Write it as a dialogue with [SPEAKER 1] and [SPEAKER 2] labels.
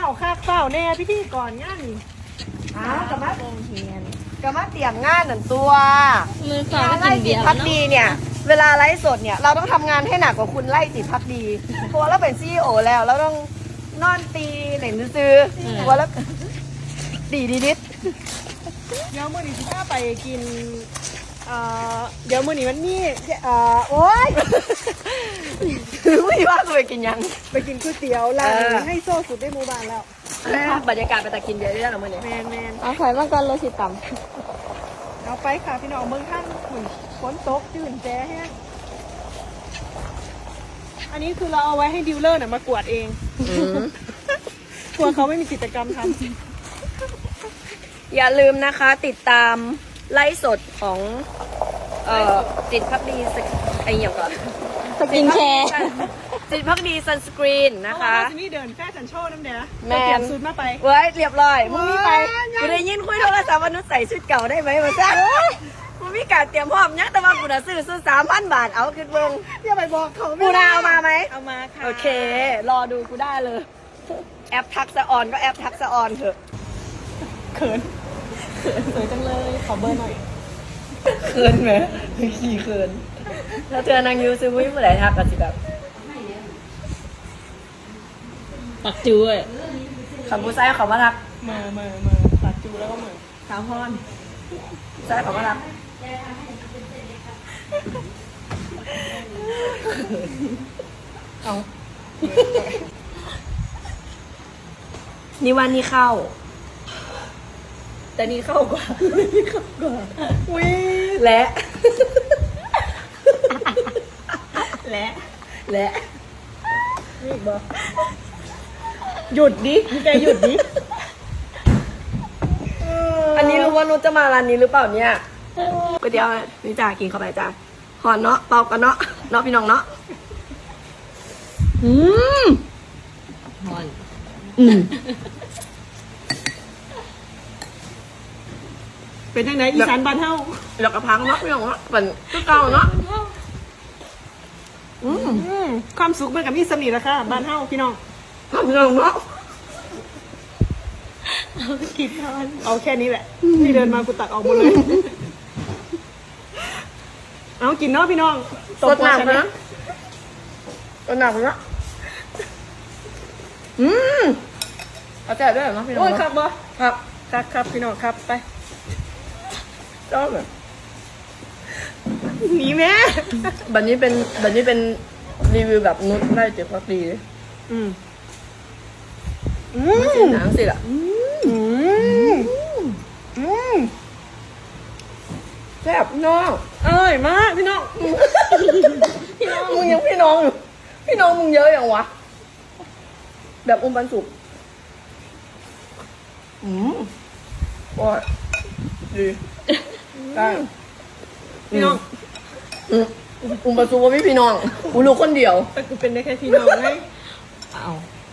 [SPEAKER 1] ฝ้าแน่พิธีก่อนงานนี่
[SPEAKER 2] กะมาเตรียมงานหนึ่งตัว
[SPEAKER 3] มือสอง
[SPEAKER 2] งาน
[SPEAKER 3] ก็
[SPEAKER 2] ไล่
[SPEAKER 3] กิน
[SPEAKER 2] จิ
[SPEAKER 3] เบี
[SPEAKER 2] ต
[SPEAKER 3] ยร์
[SPEAKER 2] พัก
[SPEAKER 3] เนาะ
[SPEAKER 2] ดีเนี่ยเวลาไลฟ์สดเนี่ยเราต้องทำงานให้หนักกว่าคุณไล่จิตพักดีเพราะว่าเราเป็นซีอีโอแล้วเราต้องนอนตีเหล่นซื้อตัวแล้วดีนิด
[SPEAKER 1] เดี๋ยวมื้อนี้สิพาไปกินเดี๋ยวมื้อนี้มันมี
[SPEAKER 2] โอ๊ยไม่ว่าตัวกินยัง
[SPEAKER 1] ไปกินก๋วยเตี๋ยวร้านให้โซ่สุดในหมู่บ้านแล้ว
[SPEAKER 2] บรรยากาศไปตะกินเยอะได้หรอมื่อนี้
[SPEAKER 1] แมน
[SPEAKER 3] เอาไข่มังกรโรสิต่
[SPEAKER 1] เอาไปค่ะพี่น้องเมืองท่านหุ่นฝนตกจื่นแจ้แห้งอันนี้คือเราเอาไว้ให้ดิวเลอร์มากวาดเองกลัวเขาไม่มีกิจกรรมทำ
[SPEAKER 2] อย่าลืมนะคะติดตามไลฟ์สดของจิตพักดีไอเหี่ยวก่อน
[SPEAKER 3] ำสกินแคร์
[SPEAKER 2] จิตพักดีซันสกรีนนะคะ
[SPEAKER 1] จะมีเดินแฟชั่นโชว์น้ำเดีย
[SPEAKER 2] แมน
[SPEAKER 1] เตรียมสูตรมาไป
[SPEAKER 2] เว้ยเรียบร้อยมึงมีไป
[SPEAKER 1] ว้าย
[SPEAKER 2] กูได้ยินคุยโทรศัพท์ว่านุชใส่ชุดเก่าได้ไหมมาจ้ามึงมีการเตรียมพร้อมยังแต่ว่ากูน่ะซื้อชุด3,000 บาทเอาขึ้นเบิ่ง
[SPEAKER 1] อย่าไปบอกเขา
[SPEAKER 2] กูน่ะเอามาไหม
[SPEAKER 1] เอามาค่ะ
[SPEAKER 2] โอเค รอดูกูได้เลย แอปทักษะออนก็แอปทักษะออนเถอะ
[SPEAKER 1] เขินสวยจังเลยขอเบอร์หน่อย
[SPEAKER 2] เขินไหมขี่เขินถ้าเธอนางยูซื้อวิ่งเมื่อไหร่ทักกันสิแบบ
[SPEAKER 3] ปักจู้ย
[SPEAKER 2] คำพูดไส้เขามาทัก
[SPEAKER 1] มาตัดจูแล้วก็เหมือนสาวพร
[SPEAKER 2] ไส้เขามาทักเอานี่วันนี้เข้า แต่นี่เข้ากว่า
[SPEAKER 1] อุ้ย
[SPEAKER 2] และ
[SPEAKER 1] และ
[SPEAKER 2] และ
[SPEAKER 1] นี่อีกบ่หยุดดิแกหยุดดิ
[SPEAKER 2] อันนี้รู้ว่านุชจะมาร้านนี้หรือเปล่าเนี่ยก๋วยเตี๋ยวนี่จ้ากินเข้าไปจ้าหอนเนาะเป่ากันเนาะเนาะพี่น้องเนาะ
[SPEAKER 3] ฮอน
[SPEAKER 1] เป็นยังไงอีสานบ้านเฮา
[SPEAKER 2] แล้วก็พังเนาะพี่น้องเนาะเป็นก็เก่าเนาะ
[SPEAKER 1] ความสุขมันกับมีสำนีแล้วค่ะบ้านเฮาพี่น้อง
[SPEAKER 2] พี่น้องเนาะ
[SPEAKER 1] กินทานเอาแค่นี้แหละที่เดินมากูตักออกหมดเลย เอากินเนาะพี่น้อง
[SPEAKER 2] สดหนักนะสดหนักนะเอาแจกด้วยเหรอเนาะพี่น้อง
[SPEAKER 1] โอ้ยครับบ่
[SPEAKER 2] ครับ
[SPEAKER 1] ครับพี่น้องครับไป
[SPEAKER 2] ชอบเลย
[SPEAKER 1] หนีแม่
[SPEAKER 2] แบบนี้เป็นรีวิวแบบนุชไล่เจ็บพักดีเลย
[SPEAKER 1] อืม
[SPEAKER 2] ไม่กินหนังสิล่ะแซ่บน้อง
[SPEAKER 1] เอ้ยมากพี่น้อง
[SPEAKER 2] มึงยังพี่น้องอยู่พี่น้องมึงเยอะอย่างวะแบบอุ้มปันสุกโอ้ยดีได้
[SPEAKER 1] พี่น้อง
[SPEAKER 2] อุ้มปันสุกว่าไม่พี่น้องกูรู้คนเดียว
[SPEAKER 1] แต่กูเป็นได้แค่พี่น้องไง
[SPEAKER 3] เอา